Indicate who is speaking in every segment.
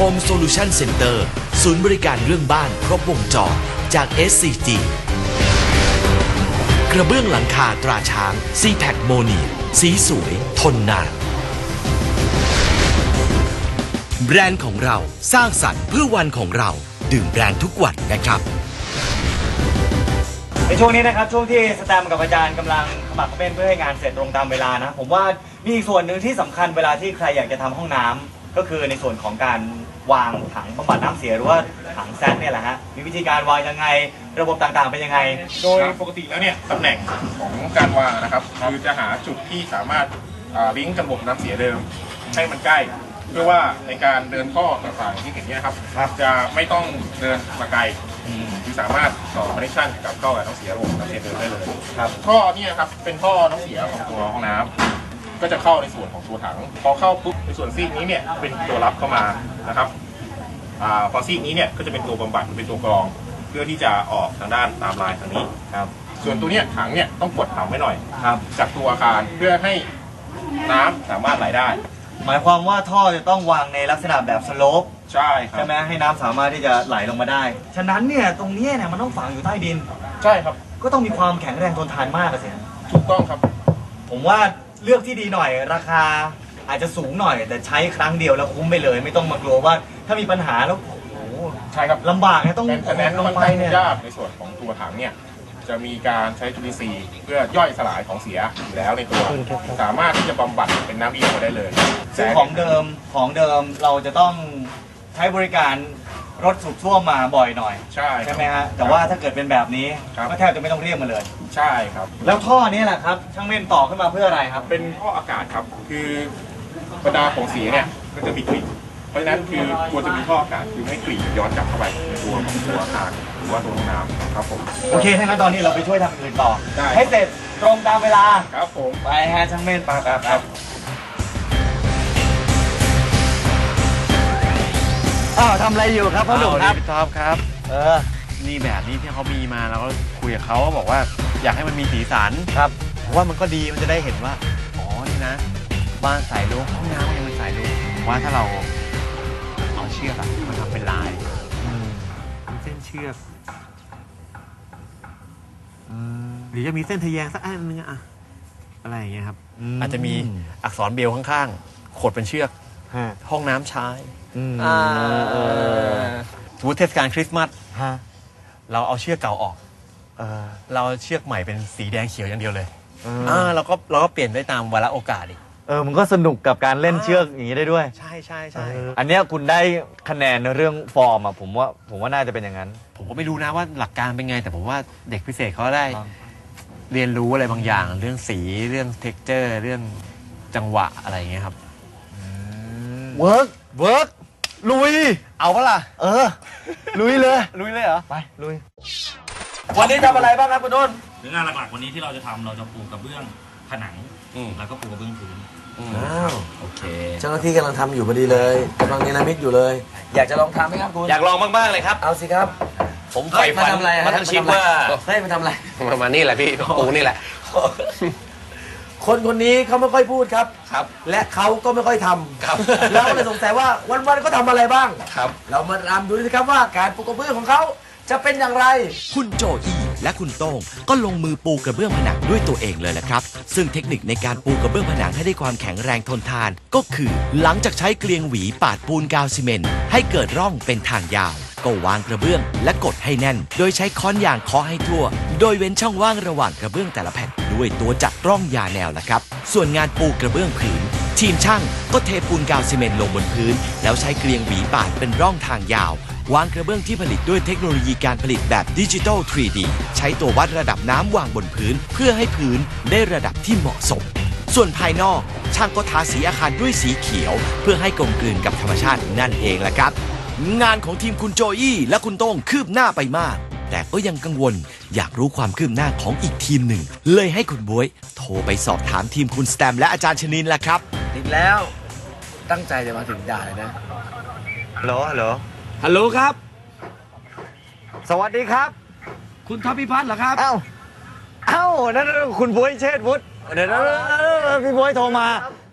Speaker 1: Home Solution Center ศูนย์บริการเรื่องบ้านครบวงจรจาก SCG กระเบื้องหลังคาตราช้าง C-Pack โมเนียสีสวยทนนานแบรนด์ของเราสร้างสรรค์เพื่อวันของเราดื่มแบรนด์ทุกวันนะครับ
Speaker 2: ในช่วงนี้นะครับช่วงที่สแตมกับอาจารย์กำลังขมักเขม้นเพื่อให้งานเสร็จตรงตามเวลานะผมว่ามีอีกส่วนหนึ่งที่สำคัญเวลาที่ใครอยากจะทำห้องน้ำก็คือในส่วนของการวางถังบำบัดน้ำเสียหรือว่าถังแซดเนี่ยแหละฮะมีวิธีการวางยังไงระบบต่างๆเป็นยังไง
Speaker 3: โดยปกติแล้วเนี่ยตำแหน่งของการวางนะครับคือจะหาจุดที่สามารถลิงก์กับระบบน้ำเสียเดิมให้มันใกล้เพื่อว่าในการเดินท่อต่างๆที่เห็นเนี่ยครับจะไม่ต้องเดินมาไกลคือสามารถต่อคอนเนคชั่นกับเข้ากับน้ำเสียระบบน้ำเสียเดิมได้เลยท่อเนี่ยครับเป็นท่อน้ำเสียของตัวห้องน้ำก็จะเข้าในส่วนของตัวถังพอเข้าปุ๊บในส่วนซีกนี้เนี่ยเป็นตัวรับเข้ามานะครับพอซีกนี้เนี่ยก็จะเป็นตัวบำบัดเป็นตัวกรองเพื่อที่จะออกทางด้านตามลายทางนี้ครับส่วนตัวเนี้ยถังเนี่ยต้องกดต่ำไว้หน่อยจากตัวอาคารเพื่อให้น้ำสามารถไหลได้
Speaker 2: หมายความว่าท่อจะต้องวางในลักษณะแบบสโลป
Speaker 3: ใช่ครับ
Speaker 2: ใช่ไหมให้น้ำสามารถที่จะไหลลงมาได้ฉะนั้นเนี่ยตรงนี้เนี่ยมันต้องฝังอยู่ใต้ดิน
Speaker 3: ใช่ครับ
Speaker 2: ก็ต้องมีความแข็งแรงทนทานมากสิ
Speaker 3: ถูกต้องครับ
Speaker 2: ผมว่าเลือกที่ดีหน่อยราคาอาจจะสูงหน่อยแต่ใช้ครั้งเดียวแล้วคุ้มไปเลยไม่ต้องมากลัวว่าถ้ามีปัญหาแล้วโอ้โห
Speaker 3: ใช่ครับ
Speaker 2: ลำบากนะต้อง
Speaker 3: แต่แน่นลงไปเนี่ยยากในส่วนของตัวถังเนี่ยจะมีการใช้จุลินทรีย์เพื่อย่อยสลายของเสียอยู่แล้วในตัวสามารถที่จะบำบัดเป็นน้ำอีมาได้เลย
Speaker 2: ซึ่งของเดิมเราจะต้องใช้บริการรถสูบซ่วมมาบ่อยหน่อยใช่ไหมฮะแต่ว่าถ้าเกิดเป็นแบบนี้ก็แทบจะไม่ต้องเรียกมาเลย
Speaker 3: ใช่ครับ
Speaker 2: แล้วท่อนี้แหละครับช่างเม่นต่อขึ้นมาเพื่ออะไรครับ
Speaker 3: เป็นท่ออากาศครับคือบรรดาของเสียเนี่ยก็จะมีกลิ่นเพราะฉะนั้นคือควรจะมีท่ออากาศคือไม่กลิ่นย้อนกลับเข้าไปในตัวของตัวอาคารหรือว่าตัวห้องน้ำครับผม
Speaker 2: โอเคถ้างั้นตอนนี้เราไปช่วยทำอื่นต่อให้เสร็จตรงตามเวลา
Speaker 3: ครับผม
Speaker 2: ไปฮะช่างเม่นครับทำอะไรอยู่ครับพ่อหนุ่มครับ
Speaker 4: พี่ท็อปครับนี่แบบนี้ที่เขามีมาเราก็คุยกับเขาบอกว่าอยากให้มันมีสีสัน
Speaker 2: ครับ
Speaker 4: เพราะว่ามันก็ดีมันจะได้เห็นว่าอ๋อนี่นะบ้านสายลุงห้องน้ำยังเป็นสายลุงว่าถ้าเราเอาเชือกมาทำเป็นลายเส้นเชือกหรือจะมีเส้นทะแยงสักอันนึงอะอะไรอย่างเงี้ยครับอาจจะมีอักษรเบลข้างๆขดเป็นเชือกห้องน้ำชายสมมติเทศกาลคริสต์มาสเราเอาเชือกเก่าออกเราเชือกใหม่เป็นสีแดงเขียวอย่างเดียวเลยเราก็เปลี่ยนได้ตามวาระโอกาสอีก
Speaker 2: มันก็สนุกกับการเล่นเชือกอย่างนี้ได้ด้วย
Speaker 4: ใช่
Speaker 2: อันนี้คุณได้คะแนนในเรื่องฟอร์มผมว่าน่าจะเป็นอย่างนั้น
Speaker 4: ผมก็ไม่รู้นะว่าหลักการเป็นไงแต่ผมว่าเด็กพิเศษเขาได้เรียนรู้อะไรบางอย่างเรื่องสีเรื่องเท็กเจอร์เรื่องจังหวะอะไรอย่างเงี้ยครับ
Speaker 2: เวิร์กลุย
Speaker 4: เอาปะล่ะ
Speaker 2: ลุยเลย
Speaker 4: เหรอ
Speaker 2: ไปลุยวันนี้ทำอะไรบ้างครับคุณต้น
Speaker 5: งานหลักๆวันนี้ที่เราจะทำเราจะปูกระเบื้องผนังแล้วก็ปูกระเบื้องพื้น
Speaker 2: โอเค
Speaker 6: เจ้าหน้าที่กำลังทำอยู่พอดีเลยกำลังเนรมิตอยู่เลยอยากจะลองทำไหมครับคุณ
Speaker 4: อยากลองมากๆเลยครับ
Speaker 6: เอาสิครับ
Speaker 4: ผมใฝ่ฝันมาทั้งชีวิตว่า
Speaker 6: มาทำอะไร
Speaker 4: มานี่แหละพี่ปูนี่แหละ
Speaker 6: คนนี้เขาไม่ค่อยพูดครับและเขาก็ไม่ค่อยทำครับเราเลยสงสัยว่าวันๆก็ทำอะไรบ้าง
Speaker 4: ครับ
Speaker 6: เรามาตามดูสิครับว่าการปูกระเบื้องของเขาจะเป็นอย่างไร
Speaker 1: คุณโจอี้และคุณโต้งก็ลงมือปูกระเบื้องผนังด้วยตัวเองเลยแหละครับซึ่งเทคนิคในการปูกระเบื้องผนังให้ได้ความแข็งแรงทนทานก็คือหลังจากใช้เกลียงหวีปาดปูนกาวซีเมนต์ให้เกิดร่องเป็นทางยาวก็วางกระเบื้องและกดให้แน่นโดยใช้ค้อนยางเคาะให้ทั่วโดยเว้นช่องว่างระหว่างกระเบื้องแต่ละแผ่นด้วยตัวจักรร่องยาแนวละครับส่วนงานปูกระเบื้องผืนทีมช่างก็เทปูนกาวซีเมนต์ลงบนพื้นแล้วใช้เกลียงหวีปาดเป็นร่องทางยาววางกระเบื้องที่ผลิตด้วยเทคโนโลยีการผลิตแบบดิจิทัล 3D ใช้ตัววัดระดับน้ำวางบนพื้นเพื่อให้พื้นได้ระดับที่เหมาะสมส่วนภายนอกช่างก็ทาสีอาคารด้วยสีเขียวเพื่อให้กลมกลืนกับธรรมชาตินั่นเองละครับงานของทีมคุณโจอี้และคุณโต้งคืบหน้าไปมากแต่ก็ยังกังวลอยากรู้ความคืบหน้าของอีกทีมหนึ่งเลยให้คุณบ๊วยโทรไปสอบถามทีมคุณสแตมและอาจารย์ชนินละครับ
Speaker 6: อีกแล้วตั้งใจจะมาถึงด่าเลยนะ
Speaker 2: ฮัลโหล
Speaker 6: ครับ
Speaker 2: สวัสดีครับ
Speaker 6: คุณท็อปพิพัฒน์เหรอครับ
Speaker 2: เอ้านั่นคุณบ๊วยเชษฐ์วุฒิเดี๋ยวพี่บ๊วยโทรมา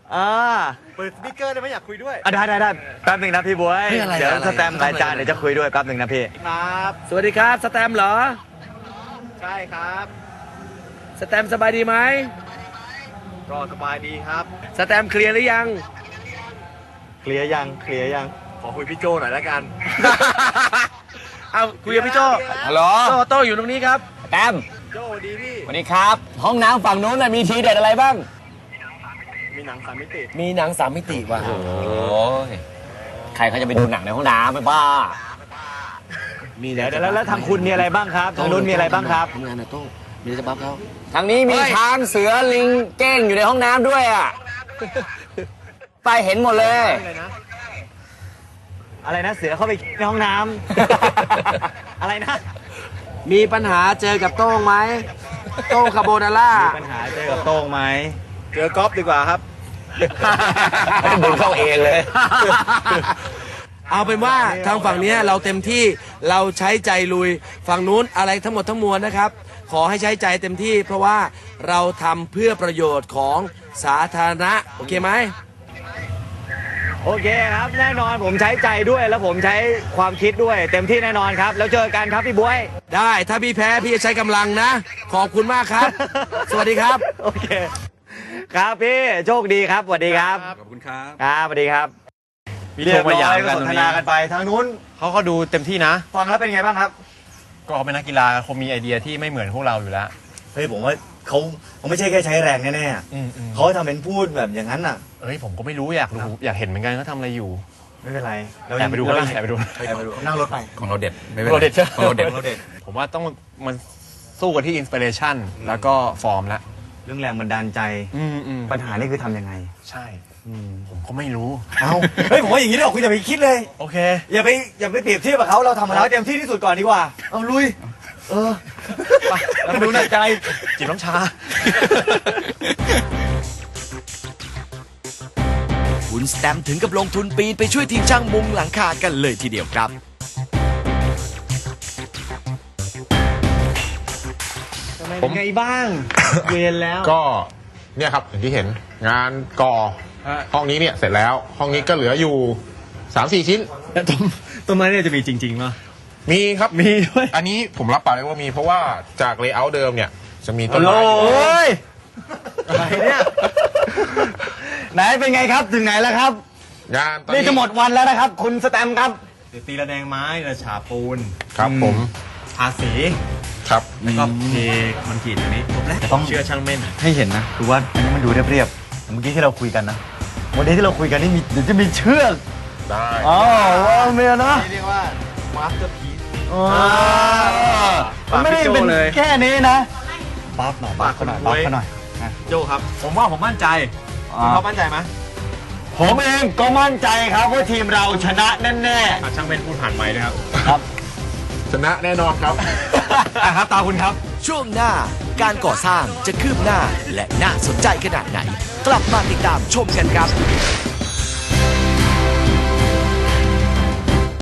Speaker 4: เปิดสปีกเกอร์ได้ไหมอยากคุยด้วย
Speaker 2: ได้แป๊บหนึ่งนะพี่บวย
Speaker 6: เฮ้ยอะไร
Speaker 2: เดี๋ยว
Speaker 6: อะไร
Speaker 2: สแตมป์กับอาจารย์เดี๋ยวจะคุยด้วยแป๊บหนึ่งนะพี่
Speaker 4: ครับ
Speaker 6: สวัสดีครับ สแตมป์เหรอ
Speaker 4: ใช่ครับ
Speaker 6: สแตมป์สบายดีไหม
Speaker 4: ก็สบายดีครับ
Speaker 6: สแตมป์เคลียร์หรือยัง
Speaker 2: เคลียร์ยัง
Speaker 4: ขอคุยพี่โจหน่อยแล้วกัน
Speaker 6: เอาคุยกับพี่โจ
Speaker 7: ฮัลโหล
Speaker 6: โต้อยู่ตรงนี้ครับ
Speaker 7: แต้ม
Speaker 4: โจดีพี่
Speaker 7: สวัสดีครับ ห้องน้ำฝั่งนู้นน่ะมีทีเด็ดอะไรบ้าง
Speaker 4: มีหนัง3 มิติ
Speaker 6: มีหนัง3 มิติว่ะ
Speaker 7: โอ้ยใครเขาจะไปดูหนังในห้องน้ำไม่บ้า
Speaker 6: มี
Speaker 2: เดี๋ยวแล้วทางคุณมีอะไรบ้างครับทางนู้นมีอะไรบ้างครับ
Speaker 6: ทำงานนะโต้มีอะไรจะบัฟเขา
Speaker 7: ทางนี้มีช้างเสือลิงเก้งอยู่ในห้องน้ำด้วยอ่ะ ไปเห็นหมดเลย
Speaker 2: อะไรนะเสือเข้าไปในห้องน้ำ อะไรนะ
Speaker 6: มีปัญหาเจอกับโต้งไหมโต้งคาโบนาร่า
Speaker 2: ปัญหาเจอกับโต้งไหม
Speaker 4: เจอกอล์ฟดีกว่าครับ
Speaker 7: ดึงเข้าเองเลย
Speaker 6: เอาเป็นว่าทางฝั่งเนี้ยเราเต็มที่เราใช้ใจลุยฝั่งนู้นอะไรทั้งหมดทั้งมวลนะครับ ขอให้ใช้ใจเต็มที่ เพราะว่าเราทำเพื่อประโยชน์ของสาธารณะโอเคไหม
Speaker 2: โอเคครับ แน่นอนผมใช้ใจด้วยแล้วผมใช้ความคิดด้วย เต็มที่แน่นอนครับ แล้วเจอกันครับพี่บวย
Speaker 6: ได้ถ้าพี่แพ้พี่จะใช้กำลังนะ ขอบคุณมากครับ สวัสดีครับ
Speaker 2: โอเค ครับพี่โชคดีครับสวัสดีครับ
Speaker 4: ขอบคุณครับ
Speaker 2: ครับสวัสดีครับ
Speaker 4: มีโทรมาหยามกัน
Speaker 2: ส
Speaker 4: ตร
Speaker 2: น
Speaker 4: ง
Speaker 2: ท
Speaker 4: นี้
Speaker 2: นากันไปทางนู้น
Speaker 4: เขาดูเต็มที่นะ
Speaker 2: ฟังแล้วเป็นไงบ้างครับ
Speaker 4: ก็เขาเป็นนักกีฬาคงมีไอเดียที่ไม่เหมือนพวกเราอยู่แล้ว
Speaker 2: เฮ้ยผมว่าเขาไม่ใช่แค่ใช้แรงแน่ๆเขาทำเป็นพูดแบบอย่างนั้นน่ะ
Speaker 4: เอ้ยผมก็ไม่รู้อยากรู้อยากเห็นเหมือนกันเขาทำอะไรอยู่
Speaker 2: ไม่เป็นไร
Speaker 4: แอบไปดูก็ได้แอบไปดู
Speaker 2: นั่งรถไป
Speaker 7: ของเราเด็ด ไม่เป็น
Speaker 4: เราเด็ดใช่ไหม
Speaker 7: ของเราเด็ด
Speaker 2: เราเด็ด
Speaker 4: ผมว่าต้องมันสู้กันที่อินสปิเรชันแล้วก็ฟอร์มละ
Speaker 2: เรื่องแรงบันดาลใจ ปัญหานี่คือทำยังไง
Speaker 4: ใช่ผมก็ไม่รู้
Speaker 2: เอาเฮ้ยผมว่าอย่างนี้เดี๋ยวคุณอย่าไปคิดเลย
Speaker 4: โอเค
Speaker 2: อย่าไปเปรียบเทียบกับเขาเราทำมาแล้วเต็มที่ที่สุดก่อนดีกว่า เอาลุย
Speaker 4: ไปแล้วมาดูหน้าใจจิบน้ำชา
Speaker 1: คุณสแตมป์ถึงกับลงทุนปีนไปช่วยทีมช่างมุงหลังคากันเลยทีเดียวครับ
Speaker 2: เป็นไงบ้าง เย็นแล้ว
Speaker 3: ก็เนี่ยครับอย่างที่เห็นงานก่อห้องนี้เนี่ยเสร็จแล้วห้องนี้ก็เหลืออยู่ 3-4 ชิ้น
Speaker 2: ต้นไม้เนี่ยจะมีจริงๆป่ะ
Speaker 3: มีครับ
Speaker 2: มีด้วย
Speaker 3: อันนี้ผมรับปากเลยว่ามีเพราะว่าจากเลเยอร์เดิมเนี่ยจะมีต้นไม้
Speaker 2: โอ้ยอะไรเนี่ยไหนเป็นไงครับถึงไหนแล้วครับ
Speaker 3: งานตอน
Speaker 2: นี่
Speaker 3: นี้
Speaker 2: จะหมดวันแล้วนะครับ คุณสแตมป์ครับ
Speaker 6: ตีระแดงไม้ระฉาปูน
Speaker 3: ครับผม
Speaker 6: ทาสี
Speaker 3: ครับ
Speaker 6: แล้วก็เทคอนกรีตตรงนี้จบแล้ว
Speaker 2: ต้อง
Speaker 6: เชื่อช่างเม่น
Speaker 2: ให้เห็นนะคือว่าอันนี้มันดูเรียบๆเมื่อกี้ที่เราคุยกันนะวันนี้ที่เราคุยกันนี่มีเดี๋ยวจะมีเชือก
Speaker 3: ได้
Speaker 2: อ๋อว่าเมียนะ
Speaker 4: เรียกว่ามาสเตอร์พีซ
Speaker 2: มันไม่ได้เป็น
Speaker 4: ฝากพี่โจ้เลย
Speaker 2: แค่นี้นะปั๊บหน่อยปั๊บเขาหน่อยปั๊บเขาหน่อย
Speaker 4: โจครับ ผมว่าผมมั่นใจคุณเขามั่นใจไหม
Speaker 2: ผมเองก็มั่นใจครับว่าทีมเราชนะแน่
Speaker 4: ช่างเม่นพูดผ่านไมค์ด้วยครับ
Speaker 2: ๆครับ
Speaker 3: ชนะแน่นอนครับ
Speaker 2: ครับตาคุณครับ
Speaker 1: ช่วงหน้าการก่อสร้างจะคืบหน้าและน่าสนใจขนาดไหน กลับมาติดตามชมกันครับ